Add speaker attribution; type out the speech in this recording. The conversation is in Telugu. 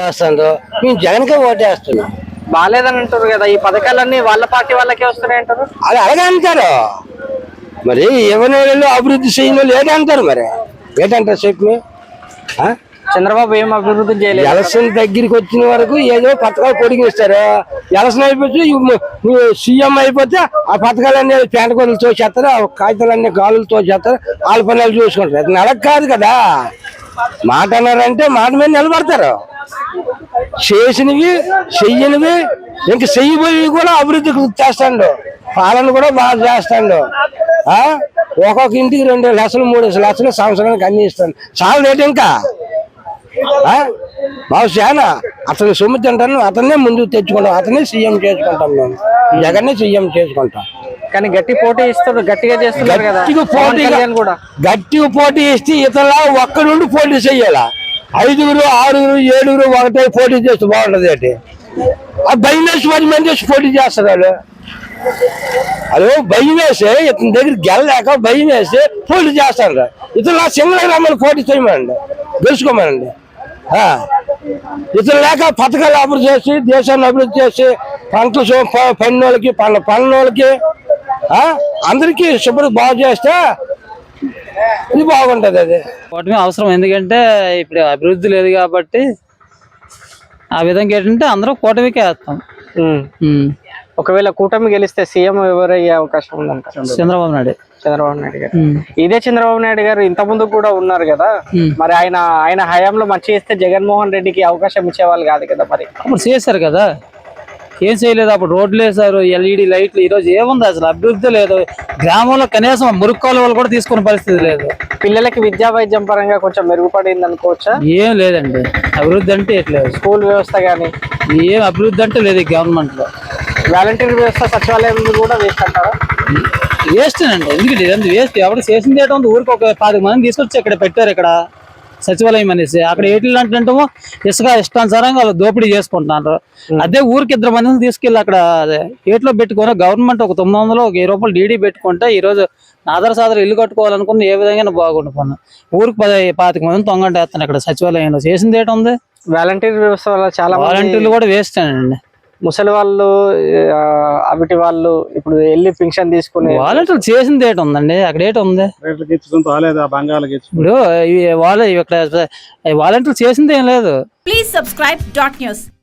Speaker 1: వేస్తుందో మేము జగన్కే ఓటేస్తున్నాం.
Speaker 2: బాగాలేదని అంటారు కదా, ఈ పథకాలన్నీ వాళ్ళ పార్టీ వాళ్ళకే వస్తున్నాయి అంటారు.
Speaker 1: అది అలాగే అంటారు మరి. ఎవరి అభివృద్ధి చేయను లేదంటారు మరి. ఏంటంటారు చెప్పి?
Speaker 2: చంద్రబాబు ఏం అభివృద్ధి చేయలేదు.
Speaker 1: ఎలక్షన్ దగ్గరికి వచ్చిన వరకు ఏదో పథకాలు పొడిగిస్తారు. ఎలక్షన్ అయిపోతే సీఎం అయిపోతే ఆ పథకాలన్నీ పేట కొలు తోచేస్తారు, ఆ కాగితాలన్నీ గాలులు తోచేస్తారు, వాళ్ళ పనులు చూసుకుంటారు. అది నెలకు కాదు కదా. మాట అన్నారంటే మాట మీద నిలబడతారు. చేసినవి చెయ్యనివి ఇంక చెయ్యిపోయి కూడా అభివృద్ధి చేస్తాడు. పాలన కూడా బాగా చేస్తాడు. ఒక్కొక్క ఇంటికి 2 లక్షలు 3 లక్షలు సంవత్సరానికి అన్ని ఇస్తాను. చాలా రేటు ఇంకా బాబు చాలా. అతను సొమ్ము తింటాను, అతన్నే ముందుకు తెచ్చుకుంటాం, అతనే సీఎం చేసుకుంటాం. మేము జగన్నే సీఎం చేసుకుంటాం.
Speaker 2: కానీ గట్టి పోటీ ఇస్తారు, గట్టిగా చేస్తున్నారు కదా.
Speaker 1: గట్టిగా పోటీ ఇస్తే ఇతరుల ఒక్కడుండి పోటీ చెయ్యాలా. 5, 6, 7 ఒకటే పోటీ చేస్తే బాగుంటది. ఏంటి ఆ భయం వేసి 10 మంది వేసి పోటీ చేస్తారు వాళ్ళు. అదే భయం వేసి ఇతని దగ్గర గెలలేక భయం వేసి పోటీ చేస్తారు. ఇతరుల సింగల్ రమ్మని పోటీ చేయమనండి, గెలుచుకోమనండి. ఇతరు లేక పథకాలు అభివృద్ధి చేసి దేశాన్ని అభివృద్ధి చేసి పంటలు పన్నోళ్ళకి పన్నోళ్ళకి అందరికీ శుభ్రం బాగు చేస్తే ఇది బాగుంటది. అది
Speaker 3: కూటమి అవసరం. ఎందుకంటే ఇప్పుడు అభివృద్ధి లేదు కాబట్టి ఆ విధంగా ఏంటంటే అందరూ కూటమికే వేస్తాం.
Speaker 2: ఒకవేళ కూటమి గెలిస్తే సీఎం ఎవరయ్యే అవకాశం ఉందంటారు?
Speaker 3: చంద్రబాబు నాయుడు
Speaker 2: గారు. ఇదే చంద్రబాబు నాయుడు గారు ఇంత ముందు కూడా ఉన్నారు కదా, మరి ఆయన హయాంలో మంచి చేస్తే జగన్మోహన్ రెడ్డికి అవకాశం ఇచ్చేవాళ్ళు కాదు కదా. మరి
Speaker 3: అప్పుడు చేశారు కదా, ఏం చేయలేదు. అప్పుడు రోడ్లు వేశారు, LED లైట్లు. ఈరోజు ఏముంది అసలు? అభివృద్ధి లేదు. గ్రామంలో కనీసం మురుక్కోల వాళ్ళు కూడా తీసుకునే పరిస్థితి లేదు.
Speaker 2: పిల్లలకి విద్యా వైద్యం పరంగా కొంచెం మెరుగుపడింది అనుకోవచ్చా?
Speaker 3: ఏం లేదండి. అభివృద్ధి అంటే ఎట్లేదు.
Speaker 2: స్కూల్ వ్యవస్థ కానీ
Speaker 3: ఏం అభివృద్ధి అంటే లేదు గవర్నమెంట్ లో.
Speaker 2: వాలంటీర్ వ్యవస్థ, సచివాలయం కూడా వేస్ట్ అంటారా?
Speaker 3: వేస్ట్ అండి. ఎందుకంటే ఇదంతా వేస్ట్. ఎవరు చేసింది ఏంటో ఊరికి ఒక 10 మంది తీసుకొచ్చి ఇక్కడ పెట్టారు, ఇక్కడ సచివాలయం అనేసి. అక్కడ ఏట్లు అంటేమో ఇష్టానుసారంగా వాళ్ళు దోపిడీ చేసుకుంటున్నారు. అదే ఊరికి 2 మందిని తీసుకెళ్ళి అక్కడ ఏట్లో పెట్టుకుని గవర్నమెంట్ ఒక 900 ఒక 1000 రూపాయలు డీడీ పెట్టుకుంటే ఈ రోజు ఆధార సాధారణ ఇల్లు కట్టుకోవాలనుకున్న ఏ విధంగా బాగుండిపోయినా ఊరికి 10-25 మంది తొంగంటేస్తాను ఇక్కడ సచివాలయంలో. చేసింది ఏంటి ఉంది?
Speaker 2: వాలంటీర్ వ్యవస్థ వల్ల చాలా
Speaker 3: వాలంటీర్లు కూడా వేస్ట్ అండి.
Speaker 2: ముసలి వాళ్ళు, అవిటి వాళ్ళు ఇప్పుడు వెళ్ళి పింఛన్ తీసుకుని
Speaker 3: వాలంటీర్లు చేసింది ఏంటి ఉందండి? అక్కడ ఏంటి ఉంది? ఇప్పుడు వాళ్ళ ఇక్కడ వాలంటీర్లు చేసింది ఏం లేదు.
Speaker 4: Please subscribe .news.